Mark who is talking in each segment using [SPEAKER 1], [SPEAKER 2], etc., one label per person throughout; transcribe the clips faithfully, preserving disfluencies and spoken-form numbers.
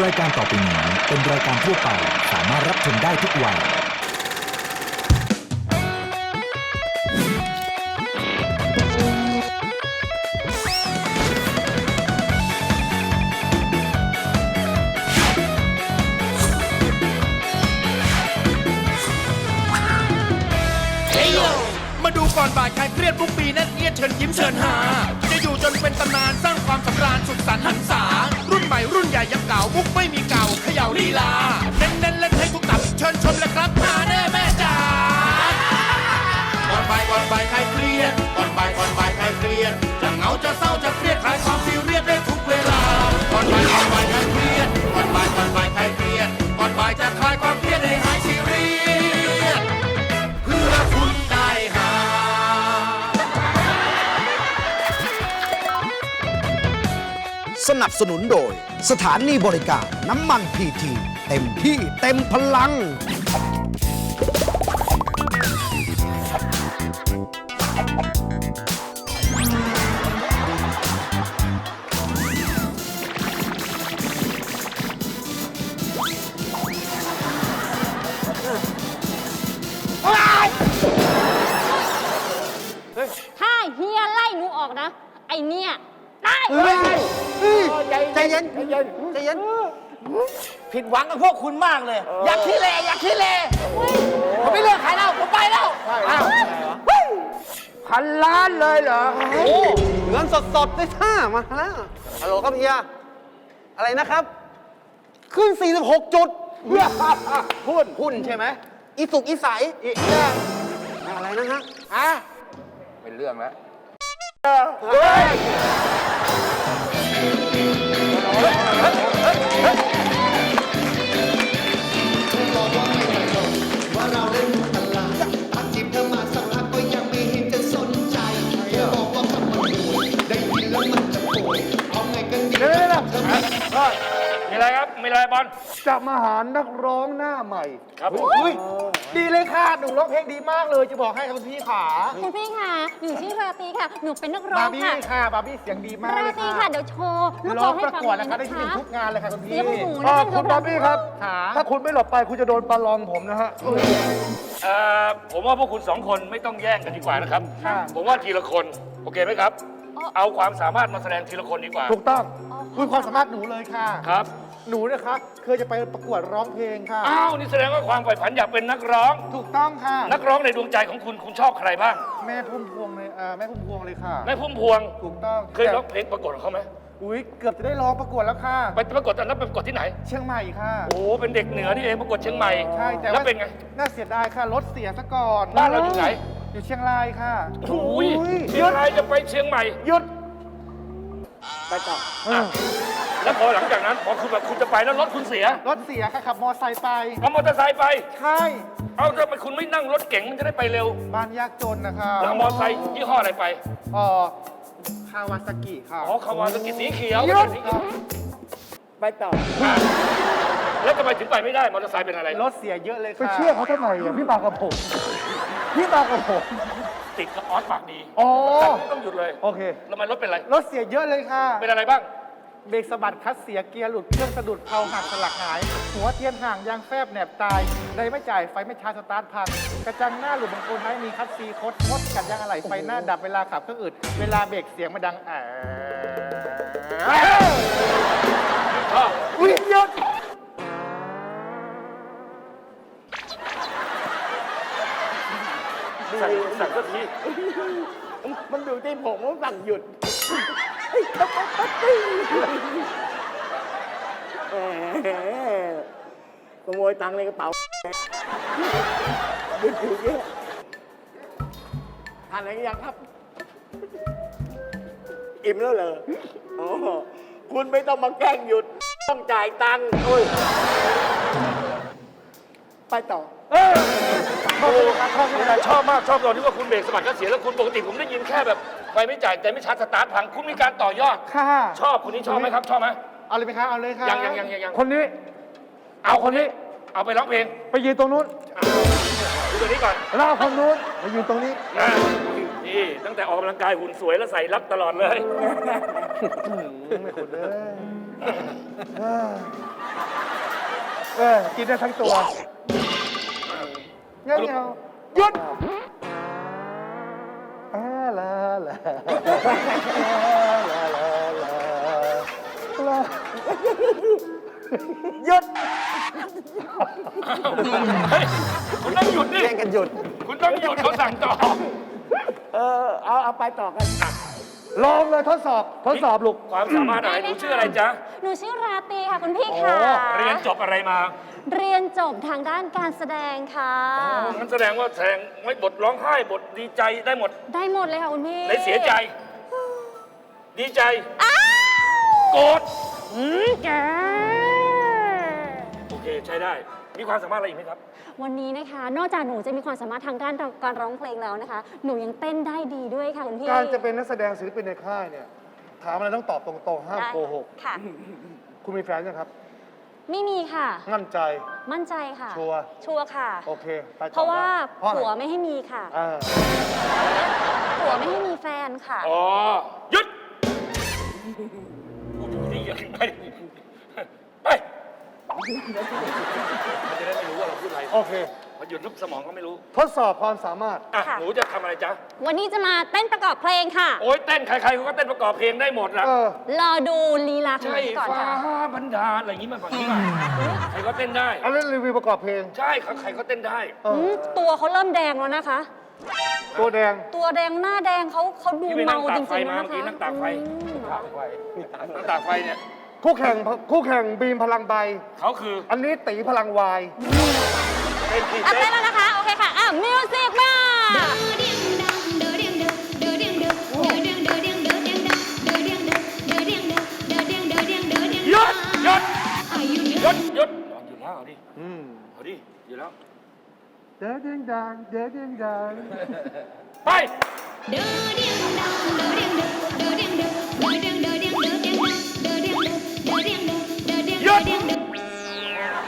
[SPEAKER 1] รายการต่อไปนี้เป็นรายการทั่วไปสามารถรับชมได้ทุกวัย
[SPEAKER 2] มาดูก่อนบ่ายใครเครียดทุกปีนั่นเอียดเชิญยิ้มเชิญหาจะอยู่จนเป็นตำนานสร้างความสำราญสุขสันต์หันษารุ่นใหม่รุ่นใหญ่ยังเก่ามุกไม่มีเก่าเขย่าลีลาเน้นเน้นเล่นให้ทุกตับเชิญชมเลยครับหาแน่แม่จ๋าก่อนบ่ายก่อนบ่ายใครเครียดก่อนบ่ายก่อนบ่ายใครเครียดจะเหงาจะเศร้าจะเครียดคลายความซีเรียสได้ทุกเวลาก่อนบ่ายก่อนบ่ายใครเครียดก่อนบ่ายก่อนบ่ายใครเครียดก่อนบ่ายจะคลายความเครียดให้หายซีเรียสเพื่อคุณได้หา
[SPEAKER 3] สนับสนุนโดยสถานีบริการน้ำมันพีทีเต็มที่เต็มพลัง
[SPEAKER 4] ถ้าเฮียไล่หนูออกนะ ไอเนี่ยได้
[SPEAKER 5] เฮ้ยใจเย็นใจเย็นใจเย็นผิดหวังกับพวกคุณมากเลย อยากขี้เลอยากขี้เลผมไม่เลือกใครแล้วผมไปแล้วอ้าวพันล้านเลยเหรอโอ้เงินสดๆได้ท่ามาแล้วฮัลโหลครับเฮียอะไรนะครับขึ้นสี่สิบหกจุดหุ้นหุ้นใช่ไหมอีสุกอีใสอีอะไรนะฮะอ่ะเป็นเรื่องแล้วเฮ้ย
[SPEAKER 6] ว่าเราเล่นตลาดพักจีบเธอมาสักพักก็ยังไม่เห็นจะสนใจเธอบอกว่าคำมันป่วยได้ยินแล้วมันจะป่วยเอาไงกันดีเธอไม่
[SPEAKER 7] มีอะไรครับ มีอะไรบอล
[SPEAKER 5] จะมาหานักร้องหน้าใหม่
[SPEAKER 7] ครับผม
[SPEAKER 5] อุ้ยดีเลยค่ะหนูร้องเพลงดีมากเลยจะบอกให้คุณพี่ขา
[SPEAKER 4] คุณพี่ค่ะหนูชื่อราตรีค่ะ หนูเป็นนักร้อบ
[SPEAKER 5] าง ร์บี้
[SPEAKER 4] ค่ะ
[SPEAKER 5] ค่ะบาร์บี้เสียงดีมาก
[SPEAKER 4] รา
[SPEAKER 5] เลย
[SPEAKER 4] ตรี
[SPEAKER 5] ค่ะ
[SPEAKER 4] ค่ะเดี๋ยวโชว์ลูก
[SPEAKER 5] ร้
[SPEAKER 4] ค
[SPEAKER 5] อ
[SPEAKER 4] อง ให้
[SPEAKER 5] ประ
[SPEAKER 4] ฟัง
[SPEAKER 5] กวด
[SPEAKER 4] เลย
[SPEAKER 5] นะคะได้
[SPEAKER 4] นะ
[SPEAKER 5] ที่หนึ่ง
[SPEAKER 4] คะ
[SPEAKER 5] ทุกงานเลยค่ะคุณพี่
[SPEAKER 4] เสียงของหนู
[SPEAKER 5] อ่า
[SPEAKER 4] นะ
[SPEAKER 5] คุณบาร์บี้ครับ
[SPEAKER 4] ขา
[SPEAKER 5] ถ้าคุณไม่หลบไปคุณจะโดนปลาลองผมนะฮะ
[SPEAKER 7] เอ่อผมว่าพวกคุณสองคนไม่ต้องแย่งกันดีกว่านะครับ
[SPEAKER 5] ค่ะ
[SPEAKER 7] ผมว่าทีละคน โอเคไหมครับ เอาความสามารถมาแสดงทีละคนดีกว่า
[SPEAKER 5] ถูกต้องคุยความสามารถหนูเลยค่ะ
[SPEAKER 7] ครับ
[SPEAKER 5] หนูนะคะเคยจะไปประกวดร้องเพลงค่ะ
[SPEAKER 7] อ้าว นี่แสดงว่าความใฝ่ฝันอยากเป็นนักร้อง
[SPEAKER 5] ถูกต้องค่ะ
[SPEAKER 7] นักร้องในดวงใจของคุณ คุณชอบใครบ้าง
[SPEAKER 5] แม่พุ่มพวงเลยเอ่อแม่พุ่มพวงเลยค่ะ
[SPEAKER 7] แม่พุ่มพวง
[SPEAKER 5] ถูกต้อง
[SPEAKER 7] เคยร้องเพลงประกวดของเขาไหม
[SPEAKER 5] อุ้ยเกือบจะได้ร้องประกวดแล้วค่ะ
[SPEAKER 7] ไปประกวดตอนนั้นไปประกวดที่ไหน
[SPEAKER 5] เชียงใหม่ค่ะ
[SPEAKER 7] โอ้โหเป็นเด็กเหนือนี่เองประกวดเชียงใหม่
[SPEAKER 5] ใช่แต่
[SPEAKER 7] แล้ว
[SPEAKER 5] ว่า
[SPEAKER 7] เป็นไง
[SPEAKER 5] น่าเสียดายค่ะรถเสียซะก่อน
[SPEAKER 7] บ้านเราอยู่ไหน
[SPEAKER 5] อยู่เชียงรายค่ะ
[SPEAKER 7] โอ้ย
[SPEAKER 5] อุ้ย
[SPEAKER 7] เชียงรายจะไปเชียงใหม่
[SPEAKER 5] หยุด
[SPEAKER 7] ไปต่ออ่ะแล้วพอหลังจากนั้นพอคุณแบบคุณจะไปแล้วรถคุณเสีย
[SPEAKER 5] รถเสียค่ะขับมอไซค์ไป
[SPEAKER 7] เอามอเตอร์ไซค์ไป
[SPEAKER 5] ใช่
[SPEAKER 7] เอาทำไมคุณไม่นั่งรถเก๋งมันจะได้ไปเร็ว
[SPEAKER 5] บ้านยากจนนะคะ
[SPEAKER 7] แล้วเอามอเตอร์ไซค์ยี่ห้ออะไรไป
[SPEAKER 5] เอ่อคาวาซากิค่ะ
[SPEAKER 7] อ๋อคาวาซากิสีเขียว
[SPEAKER 5] หยุด
[SPEAKER 7] สีเขียว
[SPEAKER 5] ไปต่อ
[SPEAKER 7] อ่ะแล้วทำไมถึงไปไม่ได้มอเตอร์ไซค์เป็นอะไร
[SPEAKER 5] รถเสียเยอะเลยค่ะไปเชื่อเขาทำไมอ่ะพี่มากับผมพี่มากับผม
[SPEAKER 7] ติดกับออสปากดี
[SPEAKER 5] อ๋อ
[SPEAKER 7] ต้องหยุดเลย
[SPEAKER 5] โอเค
[SPEAKER 7] แล้วมันรถเป็นอะไร
[SPEAKER 5] รถเสียเยอะเลยค่ะ
[SPEAKER 7] เป็นอะไรบ้าง
[SPEAKER 5] เบรกสะบัดคลัตช์เสียเกียร์หลุดเครื่องสะดุดเพลาหักสลักหาย หัวเทียนห่างยางแฟบแหนบตายเลยไม่จ่ายไฟไม่ชาร์จสตาร์ทพัง กระจังหน้าหลุดบางคนท้ายมีคัตซีคดมดกัดยางอะไหล่ไฟหน้าดับเวลาขับเครื่องอื่นเวลาเบรกเสียงมันดังแอะ
[SPEAKER 7] ชอบ
[SPEAKER 5] อุ้ยหยุด
[SPEAKER 7] สั่งสั่งสักที
[SPEAKER 5] มันอยู่ที่ผมว่าสั่งหยุดขโมยตังค์ในกระเป๋าหยุดอยู่เนี่ยทานอะไรกันยังครับ อิ่มแล้วเหรออ๋อคุณไม่ต้องมาแกล้งหยุด ต้องจ่ายตังค์โอ้ยไปต่อ
[SPEAKER 7] โอ้ชอบมากชอบตอนที่ว่าคุณเบรกสะบัดก็เสียแล้วคุณปกติผมได้ยินแค่แบบไฟไม่จ่ายแต่ไม่ชาร์จสตาร์ทพังคุณมีการต่อยอด
[SPEAKER 5] ค่ะ
[SPEAKER 7] ชอบคนนี้ชอบไหมครับ ชอบไหม
[SPEAKER 5] เอาเลยไหมคะเอาเลยค่ะ
[SPEAKER 7] ยังยังยังยังยัง
[SPEAKER 5] คนนี้
[SPEAKER 7] เอาคนนี้ เอาไปร้องเพลง
[SPEAKER 5] ไปยืนตรงนู้น
[SPEAKER 7] ดูตัวนี้ก่อน
[SPEAKER 5] แล้วเอาคนนู้นไปยืนตรงนี้
[SPEAKER 7] นะนี่ตั้งแต่ออกกำลังกายหุ่นสวยแล้วใส่รักตลอดเลย
[SPEAKER 5] ไม่ขุดเลย
[SPEAKER 8] เออ กินได้ทั้งตัวเงี้ยเงี้ยหยุดอาลาลาลาลาลาลาหยุด
[SPEAKER 7] เฮ้ยคุณต้องหยุดดิ
[SPEAKER 5] เล่นกันหยุด
[SPEAKER 7] คุณต้องหยุดเขาสั่งต่อ
[SPEAKER 5] เออ เอาเอาไปต่อกัน
[SPEAKER 8] ลองเลยทดสอบ ทดสอบลูก
[SPEAKER 7] ความสามารถอะไรหนูชื่ออะไรจ๊ะ
[SPEAKER 4] หนูชื่อราตรีค่ะคุณพี่ค่ะ
[SPEAKER 7] เรียนจบอะไรมา
[SPEAKER 4] เรียนจบทางด้านการแสดงค่ะ
[SPEAKER 7] มันแสดงว่าแสดงไม่บทร้องไห้บทดีใจได้หมด
[SPEAKER 4] ได้หมดเลยค่ะคุณพี่
[SPEAKER 7] ในเสียใจ ดีใจ
[SPEAKER 4] อ้าว
[SPEAKER 7] โกรธ
[SPEAKER 4] อืมแก
[SPEAKER 7] โอเคใช้ได้ มีความสามารถอะไรอีกไหมครับ
[SPEAKER 4] วันนี้นะคะ นอกจากหนูจะมีความสามารถทางด้านการร้องเพลงแล้วนะคะ หนูยังเต้นได้ดีด้วยค่ะคุณพี่
[SPEAKER 8] การจะเป็นนักแสดงศิลปินในค่ายเนี่ย ถามอะไรต้องตอบตรงๆ ห้าม
[SPEAKER 4] ได้
[SPEAKER 8] โกหก
[SPEAKER 4] ค่ะ
[SPEAKER 8] คุณมีแฟนยังครับ
[SPEAKER 4] ไม่มีค่ะ
[SPEAKER 8] มั่นใจ
[SPEAKER 4] มั่นใจค่ะ
[SPEAKER 8] ชัวร์
[SPEAKER 4] ชัวร์ค่ะ
[SPEAKER 8] โอเค ไปต่อ
[SPEAKER 4] เพราะว่า
[SPEAKER 8] ได้เพราะอะไร
[SPEAKER 4] ผัวไม่ให้มีค่ะ
[SPEAKER 8] อ่า
[SPEAKER 4] ผัวไม่ให้มีแฟนค่ะ
[SPEAKER 7] อ๋อ หยุดพูดอยู่นี่อย่าขึ้นไปไปมันจะได้ไม่รู้ว่าเราพูดอะไร
[SPEAKER 8] โอเค
[SPEAKER 7] พอหยุดลุกสมองก็ไม่รู้
[SPEAKER 8] ทดสอบความสามารถ
[SPEAKER 7] อ่ะ
[SPEAKER 4] ค่ะ
[SPEAKER 7] หนูจะทำอะไรจ๊ะ
[SPEAKER 4] วันนี้จะมาเต้นประกอบเพลงค่ะ
[SPEAKER 7] โอ้ยเต้นใครๆเขาก็เต้นประกอบเพลงได้หมดแหละ
[SPEAKER 8] เออ
[SPEAKER 4] รอดูลีลาของห
[SPEAKER 7] ใช่
[SPEAKER 4] นูก่อน
[SPEAKER 7] ฟ้า
[SPEAKER 4] ค่ะ
[SPEAKER 7] บันดาลอะไรอย่างนี้มาฝั่งนี้มาใครก็เต้นได้
[SPEAKER 8] เอาเล่นรีวิวประกอบเพลง
[SPEAKER 7] ใช่เขาใครก็เต้นได้
[SPEAKER 8] เอ
[SPEAKER 4] อื
[SPEAKER 8] อ
[SPEAKER 4] มตัวเขาเริ่มแดงแล้วนะคะ
[SPEAKER 8] ตัวแดง
[SPEAKER 4] ตัวแดงหน้าแดงเขาเขาดู
[SPEAKER 7] ที่ไปนั่
[SPEAKER 4] เมาง
[SPEAKER 7] ตาก
[SPEAKER 4] จ
[SPEAKER 7] ไฟ
[SPEAKER 4] ริงๆ
[SPEAKER 7] มา
[SPEAKER 4] แล้ว
[SPEAKER 7] เมื่อกี้
[SPEAKER 4] นะคะ
[SPEAKER 7] นั่งตากไฟ
[SPEAKER 4] อืม
[SPEAKER 7] นั่งตากไฟเนี่ย
[SPEAKER 8] คู่แข่งคู่แข่งบีมพลังใบ
[SPEAKER 7] เขาคือ
[SPEAKER 8] อันนี้ตีพลังวาย
[SPEAKER 7] เต้นที่
[SPEAKER 4] อ่ะ
[SPEAKER 7] เต้
[SPEAKER 4] เต้
[SPEAKER 7] น
[SPEAKER 4] นแล้วนะคะ โอเคค่ะ อ่ะ มิวสิกมา
[SPEAKER 7] หยุดหยุดหยุดหยุดอยู่แล้วเอาดิ
[SPEAKER 8] อืม
[SPEAKER 7] เอาดิอยู่แล้ว
[SPEAKER 8] เด้อเด้งดังเด้อเด้งดัง
[SPEAKER 7] ไป หยุด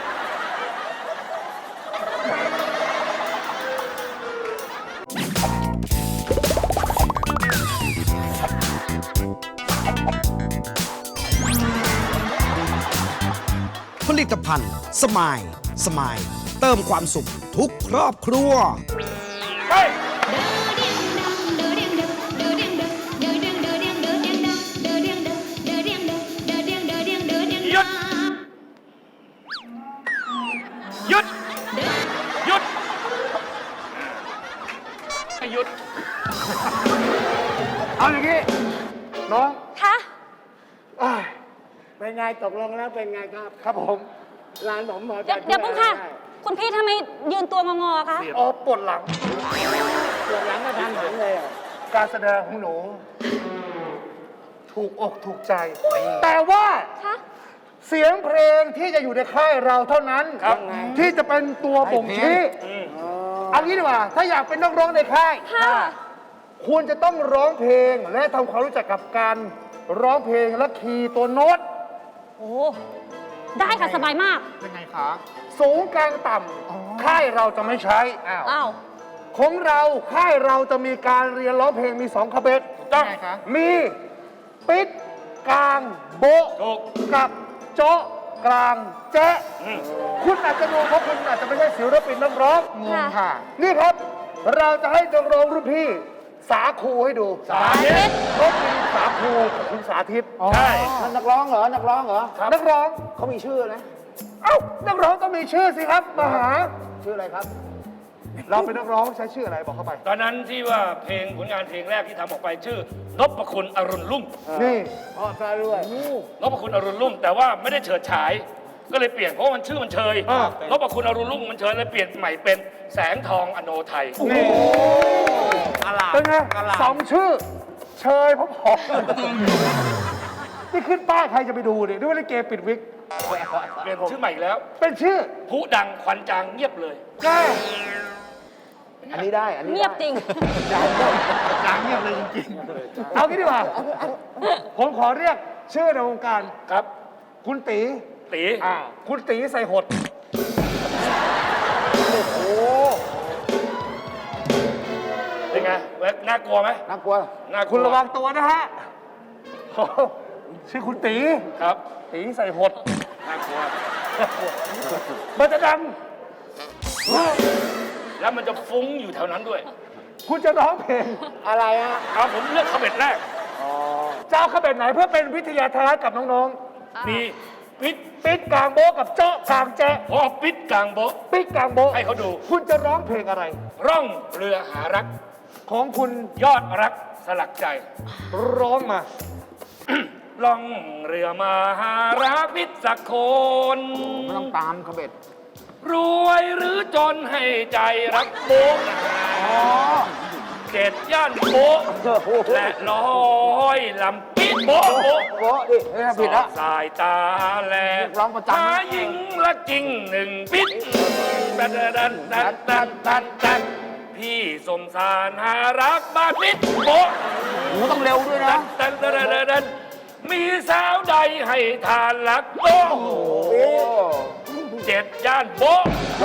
[SPEAKER 3] ผลิตภัณฑ์สมายสมายเติมความสุขทุกครอบครัว
[SPEAKER 7] ไป หยุด หยุด หยุดให้หยุด
[SPEAKER 8] เอาอย่างนี้ น้อง
[SPEAKER 4] คะ
[SPEAKER 8] อ้าย
[SPEAKER 5] เป็นไงตกลงแล้วเป็นไงครับ
[SPEAKER 8] ครับผม
[SPEAKER 5] ร้านผมหมอ
[SPEAKER 4] เดี๋ยวเดี๋ยวปุ๊บค่ะ คุณพี่ทำไมยืนตัวงอๆคะ
[SPEAKER 8] อ๋อปวดหลัง
[SPEAKER 5] ปวดหลังก็ทางหลังเลยอ่ะ
[SPEAKER 8] การแสดงของหนู ถูกอกถูกใจ แต่ว่า
[SPEAKER 4] คะ
[SPEAKER 8] เสียงเพลงที่จะอยู่ในค่ายเราเท่านั้น
[SPEAKER 7] ครับ
[SPEAKER 8] ที่จะเป็นตัวบ่งชี้เอางี้ดีกว่า ถ้าอยากเป็นนักร้องในค่าย
[SPEAKER 4] ค่ะ
[SPEAKER 8] ควรจะต้องร้องเพลงและทำความรู้จักกับการร้องเพลงและคีย์ตัวโน้ต
[SPEAKER 4] โอ้ ได้ค่ะ สบายมาก
[SPEAKER 8] สูงกลางต่ำค่ายเราจะไม่ใช้อ้าว
[SPEAKER 4] อ้าว
[SPEAKER 8] ของเราค่ายเราจะมีการเรียนร้องเพลงมีสองคาเบต
[SPEAKER 7] ต้อง
[SPEAKER 8] มีปิดกลางโบะ
[SPEAKER 7] ถูก
[SPEAKER 8] กับโจ๊ะกลางแจ๊ะคุณอาจจะงงเพราะคุณอาจจะไม่ใช่ศิลปินนักร้อง
[SPEAKER 4] งงค่ะ
[SPEAKER 8] นี่ครับ เราจะให้นักร้องรุ่นพี่ สาคูให้ดู
[SPEAKER 7] สาธิต
[SPEAKER 8] เขาเป็นสาคูกับคุณสาธิต
[SPEAKER 7] ใช่
[SPEAKER 5] มันนักร้องเหรอ นักร้องเหรอ
[SPEAKER 8] นักร้อง
[SPEAKER 5] เขามีชื่อนะ
[SPEAKER 8] เอ้านักร้องต้องมีชื่อสิครับมหา
[SPEAKER 5] ชื่ออะไรครับ
[SPEAKER 8] เราเป็นนักร้องใช้ชื่ออะไรบอกเข้าไป
[SPEAKER 7] ตอนนั้นที่ว่าเพลงผลงานเพลงแรกที่ทำออกไปชื่อนพคุณอรุณรุ่ง
[SPEAKER 8] นี่
[SPEAKER 5] อ๋อซะด้วย
[SPEAKER 7] นพคุณอรุณรุ่งแต่ว่าไม่ได้เฉิดฉาย ก็เลยเปลี่ยนเพราะว่ามันชื่อมันเชย
[SPEAKER 8] อ่า
[SPEAKER 7] นพคุณอรุณรุ่งมันเชยเลยเปลี่ยนใหม่เป็นแสงทองอโนไทย
[SPEAKER 8] นี่เป็นไงสองชื่อ เชยพอๆนี่ขึ้นป้ายใครจะไปดูเนี่ยด้วยว่าลิเกปิดวิก
[SPEAKER 7] เปลี่ยนชื่อใหม่อีกแล้ว
[SPEAKER 8] เป็นชื่อ
[SPEAKER 7] ผู้ดังควันจางเงียบเลย
[SPEAKER 8] แก้
[SPEAKER 5] อันนี้ได้ อันนี้
[SPEAKER 4] เงียบจริง
[SPEAKER 8] จางเงียบเลยจริงๆ เอางี้ดีกว่า ผมขอเรียกชื่อในวงการ
[SPEAKER 7] ครับ
[SPEAKER 8] คุณตี
[SPEAKER 7] ตี
[SPEAKER 8] อ่า คุณตีใส่หด โอ้โห
[SPEAKER 7] เป็นไงเว้ยน่ากลัวไหม
[SPEAKER 5] น่ากลัว
[SPEAKER 7] น่ากลัว
[SPEAKER 8] คุณระวังตัวนะฮะโอ้โหชื่อคุณตี
[SPEAKER 7] ครับ
[SPEAKER 8] ตีใส่หด
[SPEAKER 7] น่ากลัว
[SPEAKER 8] มันจะดัง
[SPEAKER 7] แล้วมันจะฟุ้งอยู่แถวนั้นด้วย
[SPEAKER 8] คุณจะร้องเพลง
[SPEAKER 5] อะไรฮะ
[SPEAKER 7] เอาผมเลือกคาเบ็ดแรก
[SPEAKER 8] เจ้าขบวนไหนเพื่อเป็นวิทยาทานกับน้อง
[SPEAKER 7] มีปิด
[SPEAKER 8] ๆ ปิดกลางโบ๊ะกับเจาะกลางแจ๊ะ
[SPEAKER 7] พอปิดกลางโบ๊ะ
[SPEAKER 8] ปิดกลางโบ๊ะ
[SPEAKER 7] ให้เขาดู
[SPEAKER 8] คุณจะร้องเพลงอะไร
[SPEAKER 7] ร่องเรือหารัก
[SPEAKER 8] ของคุณ
[SPEAKER 7] ยอดรักสลักใจ
[SPEAKER 8] ร้องมา
[SPEAKER 7] ล่องเรือมาหารักมิตรสักคน
[SPEAKER 5] ไม่ต้องตามขบเบ็ด
[SPEAKER 7] รวยหรือจนให้ใจรักโบ๊ะเจ็ดย่านโบ๊ะและร้อยลำปิดโบ๊ะโบ๊ะ
[SPEAKER 5] โอ้ดิเฮ้ยผิดละ
[SPEAKER 7] สายตาแล
[SPEAKER 5] ร้องประจำ
[SPEAKER 7] หาหญิงละจริงหนึ่งปิดดันดันดันดันดันดันพี่สมสารหารักบ้านมิตรโบ๊ะ
[SPEAKER 5] โอ้ต้องเร็วด้วยนะ
[SPEAKER 7] ดันดันดันดันดันมีสาวใดให้ทานรักโบ๊ะเจ็ดย่านโบ๊ะ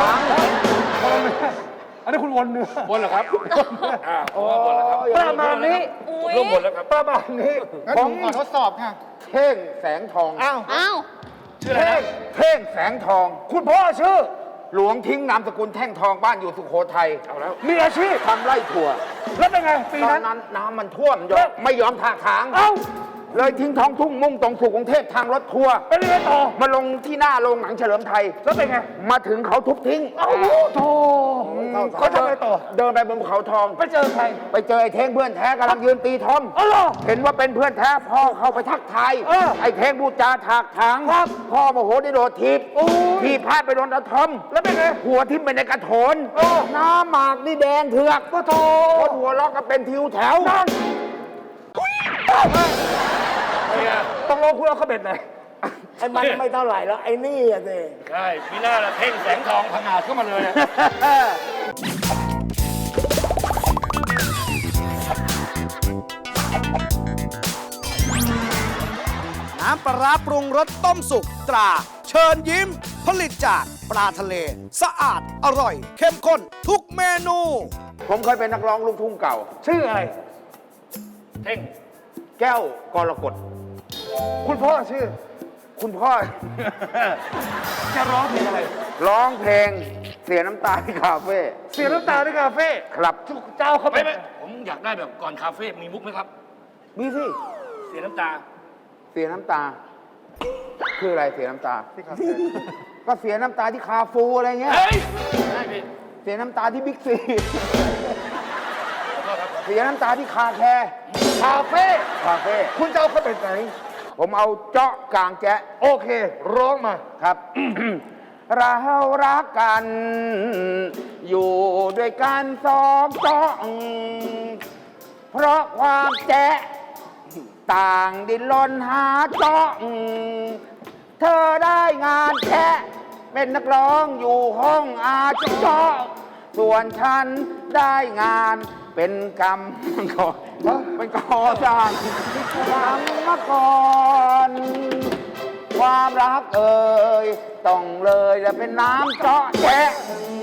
[SPEAKER 8] อันนี้คุณวนเนื้อบ
[SPEAKER 7] นเหรอครับอ่าผมว่าบนแล้วครับ
[SPEAKER 8] ประมาณนี้
[SPEAKER 7] ผมร่วมบนแล้วครับ
[SPEAKER 8] ประมาณนี้
[SPEAKER 5] ผมขอทดสอบค่ะ เท่งแสงทอง อ้าว
[SPEAKER 4] อ้าว
[SPEAKER 7] ชื่ออะไร
[SPEAKER 5] เท่ง
[SPEAKER 7] นะ
[SPEAKER 5] เท่งแสงทอง
[SPEAKER 8] คุณพ่อชื่อ
[SPEAKER 5] หลวงทิ้งนามสกุลแท่งทองบ้านอยู่สุโขทัย
[SPEAKER 7] เอาแล้ว
[SPEAKER 8] มีอาชีพ
[SPEAKER 5] ทำไร่ถั่ว
[SPEAKER 8] แล้วเป็นไงปี
[SPEAKER 5] ตอ
[SPEAKER 8] นั้น น
[SPEAKER 5] นั้นน้ำมันท่วมยอมไม่ยอมถากถาง
[SPEAKER 8] เอ้า
[SPEAKER 5] เลยทิ้งท้องทุ่งมุ่งตรงสู่กรุงเทพทางรถทัวร์
[SPEAKER 8] เป็นยังไงต่อ
[SPEAKER 5] มาลงที่หน้าโรงหนังเฉลิมไทย
[SPEAKER 8] แล้วเป็นไง
[SPEAKER 5] มาถึงเขาทุบทิ้ง
[SPEAKER 8] เอ้าโธ่เขาทำไงต่อ
[SPEAKER 5] เดินไปบนภูเขาทอง
[SPEAKER 8] ไปเจอใคร
[SPEAKER 5] ไปเจอไอ้เท่งเพื่อนแท้กำลังยืนตีทอม
[SPEAKER 8] อ๋อเหรอ
[SPEAKER 5] เห็นว่าเป็นเพื่อนแท้พ่อเข้าไปทักทาย
[SPEAKER 8] เออ
[SPEAKER 5] ไอ้เท่งบูจาถากถาง
[SPEAKER 8] ครับ
[SPEAKER 5] พ่อโมโหได้โดดทีบ
[SPEAKER 8] โอ้ย
[SPEAKER 5] ทีบพลาดไปโดนตะทอม
[SPEAKER 8] แล้วเป็นไง
[SPEAKER 5] หัวทิ่มไปในกระโถน
[SPEAKER 8] เออ
[SPEAKER 5] น้ำหมากนี่แดงเถือก
[SPEAKER 8] ก็โธ่
[SPEAKER 5] คนหัวล็อกก็เป็นทิวแถว
[SPEAKER 8] นั่น
[SPEAKER 7] เนี่ย
[SPEAKER 8] ต้องลงคุณเอาขบวนไหน
[SPEAKER 5] ไอ้มันไม่เท่าไหร่แล้วไอ้นี่อะสิ
[SPEAKER 7] ใช่มีหน้าละเพ่งแสงทองพังอาจเข้ามาเลยอะ
[SPEAKER 3] น้ำปลาร้าปรุงรสต้มสุกตรา เชิญยิ้ม ผลิตจากปลาทะเล สะอาดอร่อย เข้มข้นทุกเมนู
[SPEAKER 5] ผมเคยเป็นนักร้องลูกทุ่งเก่า
[SPEAKER 8] ชื่ออะไร
[SPEAKER 7] เท่ง
[SPEAKER 5] แก้วกรกฎ
[SPEAKER 8] คุณพ่อชื่อ
[SPEAKER 5] คุณพ่อ
[SPEAKER 8] จะร้องเพลงอะไร
[SPEAKER 5] ร้องเพลงเสียน้ำตาที่คาเฟ่
[SPEAKER 8] เสียน้ำตาในคาเฟ่
[SPEAKER 5] ครับ
[SPEAKER 8] เจ้าเขาเป็
[SPEAKER 7] ไม่
[SPEAKER 8] น
[SPEAKER 7] ไม่ผมอยากได้แบบก่อนคาเฟ่มีมุกไหมครับ
[SPEAKER 5] มีสิ
[SPEAKER 7] เสียน้ำตา
[SPEAKER 5] เสียน้ำตา คืออะไรเสียน้ำตา
[SPEAKER 8] ที่คาเฟ่
[SPEAKER 5] ก็เสียน้ำตาที่คาฟูอะไรเงี้ย
[SPEAKER 7] เฮ้ยได้พี่
[SPEAKER 5] เสียน้ำตาที่บิ๊กซี
[SPEAKER 7] ขอโทษครับ
[SPEAKER 5] เสียน้ำตาที่คาแคร์
[SPEAKER 8] คาเฟ่
[SPEAKER 5] คาเฟ่
[SPEAKER 8] คุณจะเอาเขาเป็นไหน
[SPEAKER 5] ผมเอาเจาะกลางแจ๊ะ
[SPEAKER 8] โอเค ร้องมา
[SPEAKER 5] ครับ เรารักกัน อยู่ด้วยกันสองเจาะเพราะความแจ๊ะต่างดินรนหาเจาะเธอได้งานแค่เป็นนักร้องอยู่ห้องอาเจาะส่วนฉันได้งานเป็นกรรมก่อนเป็นก่อสร้างหลังมาก่อน ความรักเอ่ยต้องเลยจะเป็นน้ำเจาะแจ๊ะ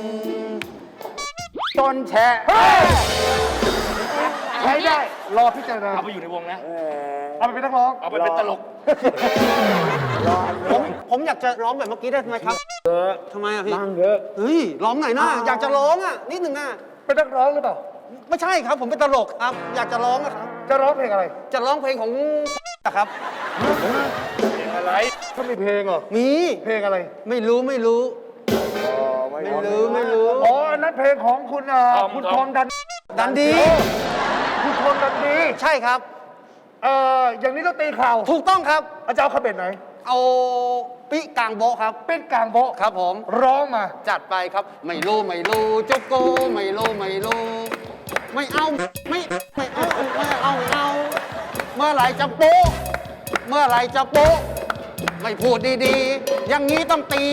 [SPEAKER 5] จนแฉะ
[SPEAKER 8] ใช้ได้ รอพิจารณา
[SPEAKER 7] เอาไปอยู่ในวงนะ
[SPEAKER 8] เอาไปเป็นนักร้อง
[SPEAKER 7] เอาไปเป็นตลก
[SPEAKER 9] ผมผมอยากจะร้องแบบเมื่อกี้ได้ไหมครับเยอะทำไมอ่ะพี่
[SPEAKER 5] นั่งเยอะ
[SPEAKER 9] เฮ้ย ร้องหน่อยนะ อยากจะร้องอ่ะ นิดหนึ่งนะ
[SPEAKER 8] เป็นนักร้องหรือเปล่า
[SPEAKER 9] ไม่ใช่ครับ ผมเป็นตลกครับ อยากจะร้องอะครับ
[SPEAKER 8] จะร้องเพลงอะไร
[SPEAKER 9] จะร้องเพลงของครับ
[SPEAKER 7] เพลงอะไร
[SPEAKER 8] เขามีเพลงเหรอ
[SPEAKER 9] มี
[SPEAKER 8] เพลงอะไร
[SPEAKER 9] ไม่รู้ไม่รู้ ไม่รู้ไม่รู้
[SPEAKER 8] อ๋อ อันนั้นเพลงของคุณอ่า
[SPEAKER 7] ทอม
[SPEAKER 8] คุณ
[SPEAKER 7] ท
[SPEAKER 8] ท
[SPEAKER 7] อ
[SPEAKER 8] อ
[SPEAKER 7] ม
[SPEAKER 8] มดัน
[SPEAKER 9] ดันดี
[SPEAKER 8] คุณทอมดันดี
[SPEAKER 9] ใช่ครับ
[SPEAKER 8] เอ่อ อย่างนี้ต้องตีข่าว
[SPEAKER 9] ถูกต้องครับ
[SPEAKER 8] อาจารย์เอาขบวนไหน
[SPEAKER 9] เอาปิกลางโบะครับ
[SPEAKER 8] เป็นกลางโบะ
[SPEAKER 9] ครับผม
[SPEAKER 8] ร้องมา
[SPEAKER 9] จัดไปครับ ไม่รู้ไม่รู้จุกโกไม่รู้ไม่รู้ไม่เอาไม่ไม่เอาไม่เอาไม่เอา เมื่อไหรจะโป๊ะเมื่อไหรจะโป๊ะไม่พูดดีๆ อย่างนี้ต้องตี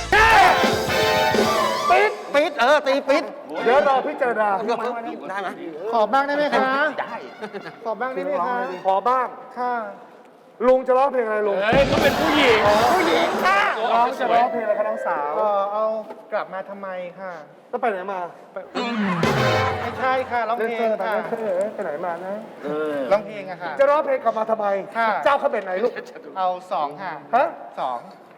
[SPEAKER 9] ปิดปิดเออตีปิด
[SPEAKER 8] เดี๋ยวรอพิจารณา
[SPEAKER 9] ได้ไหม
[SPEAKER 8] ขอบ้างได้ไหมคะ
[SPEAKER 9] ได้
[SPEAKER 8] ขอบ้างได้ไหมคะ ขอบ้าง ค่ะ ลุงจะร้องเพลงอะไรลุง
[SPEAKER 7] เฮ้ยเขาเป็นผู้หญิง
[SPEAKER 8] ผู้หญิงค่ะ
[SPEAKER 7] ตัว
[SPEAKER 8] น้
[SPEAKER 7] อ
[SPEAKER 8] อ
[SPEAKER 7] อง ก
[SPEAKER 8] จะ
[SPEAKER 7] สว
[SPEAKER 8] ร้
[SPEAKER 7] ย
[SPEAKER 8] องเพลงอะไรคะน้องสาว
[SPEAKER 10] เออเอากลับมาทำไมค่ะ
[SPEAKER 8] แล้วไปไหนมาไป
[SPEAKER 10] ไม่ใช่ค่ะร้อง
[SPEAKER 8] เล่น
[SPEAKER 10] เพล
[SPEAKER 8] เซอง ร์ไป
[SPEAKER 10] ค่ะ
[SPEAKER 8] เล่นเซอร์ไปไหนมานะ
[SPEAKER 10] ร้องเพลงอะค่ะ
[SPEAKER 8] จะร้องเพลงกลับมาทำไม
[SPEAKER 10] ค่ะ
[SPEAKER 8] เจ้าเขาเป็นไหนลูก
[SPEAKER 10] เอาสองค่ะ
[SPEAKER 8] ฮะ
[SPEAKER 10] สอง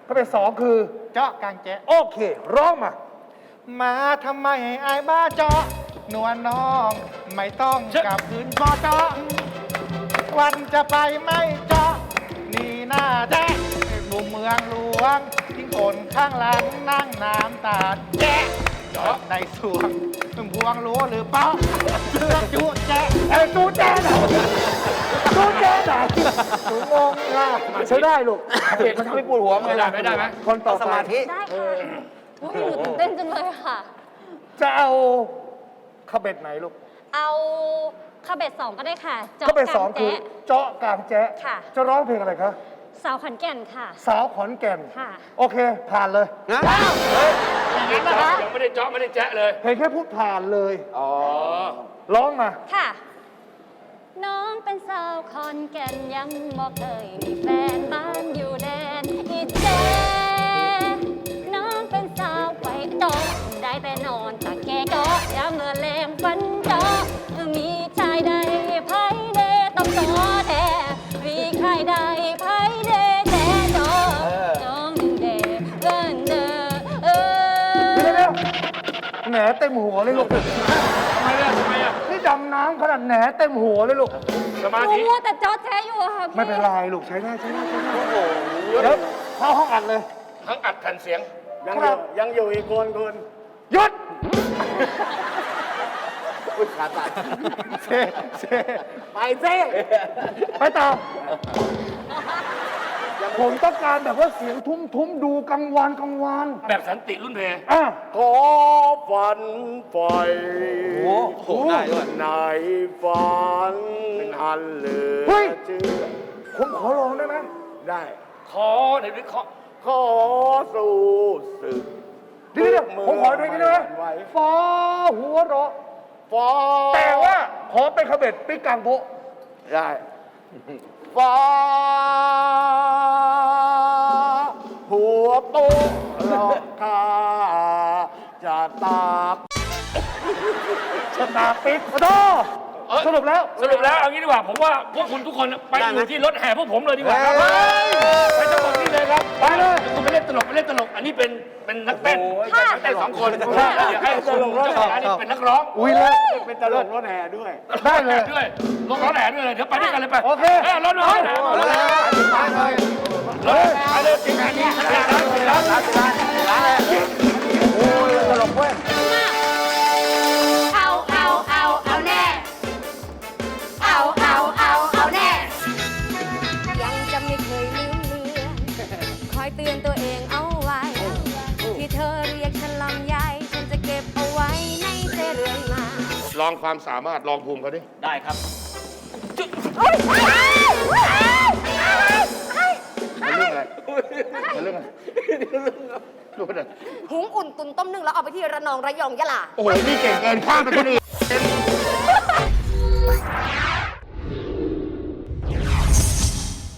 [SPEAKER 8] คำเป็นสองคือ
[SPEAKER 10] เจาะกลางแจ๊ะ
[SPEAKER 8] โอเค ร้องมา
[SPEAKER 10] มาทำไมไอ้บ้าเจาะนวลน้อง ไม่ต้องกลับคืนบ่เจาะวันจะไปไม่เจาะนี่หน้าแจ๊ะดูเมืองหลวงทิ้งคนข้างหลังนั่งน้ำตาแจ๊ะเจาะในสวงมึงพวงรู้หรือเปล่าเรื่องจุแจ๊ะ
[SPEAKER 8] ไอ้จูแจไหนจูแจไหนหนูงงอ่ะใช้ได้ลูกเด็กมันทำให้ปวดหัว
[SPEAKER 7] ไม่ได้ไม่ได้ไหม
[SPEAKER 8] คนต่อ
[SPEAKER 9] ส
[SPEAKER 8] ไป
[SPEAKER 9] มาธิ
[SPEAKER 4] ได้ค่ะโอ้ยหนูตื่นเต้นจังเลยค่ะ
[SPEAKER 8] จะเอาขบเบ็ดไหนลูก
[SPEAKER 4] เอาคาเบตสองก็ได้ค่ะจาะ
[SPEAKER 8] ขบเบ็ดสอง
[SPEAKER 4] กลา
[SPEAKER 8] คือ
[SPEAKER 4] แจ๊ะ
[SPEAKER 8] เจาะกลางแจ๊ะ
[SPEAKER 4] ค่ะ
[SPEAKER 8] จะร้องเพลงอะไรคะ
[SPEAKER 4] สาวขอนแก่นค่ะ
[SPEAKER 8] สาวขอนแก่น
[SPEAKER 4] ค่ะ
[SPEAKER 8] โอเค ผ่านเลย
[SPEAKER 9] นะ
[SPEAKER 7] ยังไม่ได้เจาะยังไม่ได้เจาะไม่ได้แจ๊ะเลย
[SPEAKER 8] เพลงแค่พูดผ่านเลย
[SPEAKER 7] อ๋อ
[SPEAKER 8] ร้องมา
[SPEAKER 4] ค่ะ น้องเป็นสาวขอนแก่นยังบอกเคยมีแฟนบ้านอยู่แดนอีแจน้องเป็นสาวไปโตะได้แต่นอนตะแกโกะยามเมื่อแรงฟันโจมีชายใดไผเดต้องโตแท้มีใครใดไผเดแต่โจจองหนึ่งเดเดินเดอเออ
[SPEAKER 8] เดี๋ยวเดี๋ยวแหนเต็มหัวเลยลูก
[SPEAKER 7] ทำไมล่ะทำไมอ่ะ
[SPEAKER 8] นี่ดำน้ำขนาดแหนเต็มหัวเลยลูก
[SPEAKER 7] สมา
[SPEAKER 4] หนู
[SPEAKER 7] ธิ
[SPEAKER 4] มัวแต่จอแท้อยู่อะค่ะพี่
[SPEAKER 8] ไม่เป็นไรลูกใช้ได้ใช้ได้ใช้ได้เดี๋ยวเข้าห้องอัดเลย
[SPEAKER 7] ทั้งอัดแผ่นเสียง
[SPEAKER 8] ยังอยู่ยังอยู่อีกคนคนหยุดเซเซไปเซไปต่อผมต้องการแบบว่าเสียงทุ้มทุ้มๆดูกังวานกังวาน
[SPEAKER 7] แบบสันติรุ่นเพ
[SPEAKER 8] อ่ะ
[SPEAKER 11] ขอฝันไฟ
[SPEAKER 9] โอ้โหได้ด้วย
[SPEAKER 11] ในฝันอันเหลือ
[SPEAKER 8] เฮ้ย
[SPEAKER 11] เชื่อ
[SPEAKER 8] ผมขอร้องได้ไหม
[SPEAKER 11] ได้
[SPEAKER 7] ขอหน่อยดิขอ
[SPEAKER 11] ขอสู้ศึก
[SPEAKER 8] เดี๋ยวเดี๋ยวผมขอเพลงนี้ได้ไหมฟ้าหัวเราะ
[SPEAKER 11] ฟ้า
[SPEAKER 8] แต่ว่าขอเป็นขบเบ็ดปิ๊กกลางโพะ
[SPEAKER 11] ได้ฟ้าหัวโตหลอกกาจะตาก
[SPEAKER 8] ชนะปิ๊กขอโทษ
[SPEAKER 7] เอ้ย
[SPEAKER 8] สรุปแล้ว
[SPEAKER 7] สรุปแล้วเอางี้ดีกว่า ผมว่าพวกคุณทุกคนไปอยู่ที่รถแห่พวกผมเลยดีกว่าครับไปทั้งหมดนี่เลยครับ
[SPEAKER 8] ไปเลย
[SPEAKER 7] คุณไปเล่นตลกไปเล่นตลก อันนี้เป็นเป็นนักเต้นนักเต้นสองคนอยากให้คุณเจ้าของร้านนี่เป็นนักร้อง
[SPEAKER 8] อุ้ยเลย
[SPEAKER 11] เป็นตลกรถแห่ด้วย
[SPEAKER 8] ได้เลย
[SPEAKER 7] ด้วยรถร้อนแห่ด้วยเลยเดี๋ยวไปด้วยกันเลยไป
[SPEAKER 8] โอเค
[SPEAKER 7] รถร้อนแห่รถร้อนแห่รถไปเลยทีมงานนี้ร้านร้านร้านร้าน
[SPEAKER 8] โอ้ยตลกเว้ย
[SPEAKER 12] เอาเอาเอาเอาแน่ เอาเอาเอาเอาแน่ ยังจะไม่เคยลืมเลือนคอยเตือนตัวเองเอาไว้ ที่เธอเรียกฉันลำไยฉันจะเก็บเอาไว้ในใจเรื่อยมา
[SPEAKER 7] ลองความสามารถลองภูมิเขาดิ
[SPEAKER 5] ได้ครับ
[SPEAKER 7] มันเรื่องอะไรดูไปเลย
[SPEAKER 12] หุงอุ่นตุนต้มนึ่งแล้วเอาไปที่ระนองระยองยะลา
[SPEAKER 7] โอ้โหนี่เก่งเกินข้ามไปคนอื่น